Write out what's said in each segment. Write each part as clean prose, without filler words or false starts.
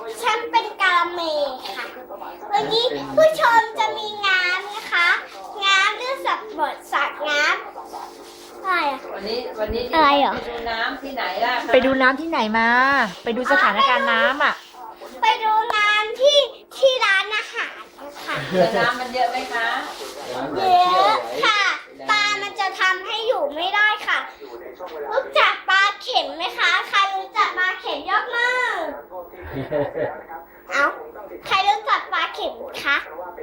ฉันเป็นกาละเมค่ะวันนี้ผู้ชมจะมีน้ำนะคะน้ำด้วยสับบดสักน้ำอะไรอะวันนี้อะไรเหรอไปดูน้ำที่ไหนล่ะคะไปดูน้ำที่ไหนมา ไปดูสถานการณ์น้ำอ่ะไปดูน้ำที่ร้านอาหารค่ะแต่น้ำมันเยอะไหมคะเยอะค่ะปลามันจะทำให้อยู่ไม่ได้ค่ะรู้จักปลาเข็มไหมคะใครรู้จักปลาเข็มยกมือเอ้าใครรู้จักปลาเข็มคะ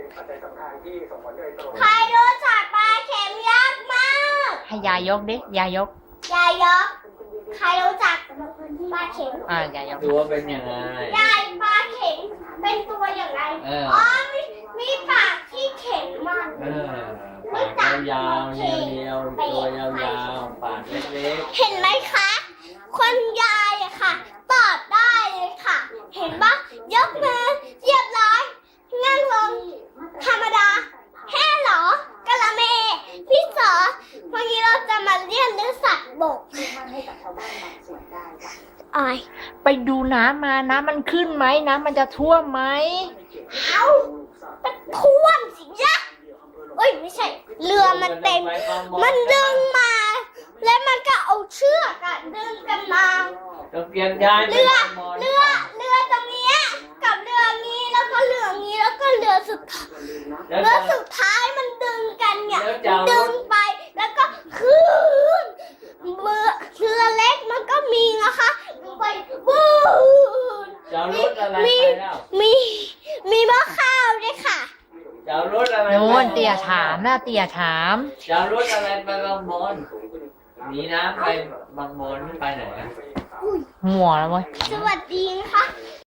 ใครรู้จักปลาเข็มยกมือให้ยายกดิยายกยายยกใครรู้จักปลาเข็มยายกดูว่าเป็นยังไงยายปลาเข็มเป็นตัวอย่างไร อ๋อมีปากที่เข็มมันยาวๆเรียวๆตัวยาวๆปากเล็กเห็นไหมคะ คนยายอะค่ะ ตอบได้เลยค่ะ เห็นปะยกมือเรียบร้อยนั่งลงธรรมดาแค่เหรอกะละเมพี่สอวันนี้เราจะมาเรียนเรื่องสัตว์บกอ้อยไปดูน้ำมาน้ำมันขึ้นไหมน้ำมันจะท่วมไหมเอามันท่วมสิยะเอ้ยไม่ใช่ เรือมันเต็ม มันดึงมา แล้วมันก็เอาเชือกอะดึงกันมาๆต้องเปลี่ยนยายเรือตรงเนี้ยกับเรือนี้แล้วก็เรือนี้แล้วก็เรือสุดท้ายเรือสุดท้ายมันดึงกันเนี่ยดึงไปแล้วก็ขึ้นเรือเล็กมันก็มีนะคะไปบูนจะเอารถอะไรไปแล้วมีหม้อข้าวด้วยค่ะจะเอารถอะไรไปโน่นเตี่ยถามนะเตี่ยถามจะเอารถอะไรไปบางบอนหนีน้ำไปบางบอนไปไหนอะหัวแล้วเว้ยสวัสดีนะคะ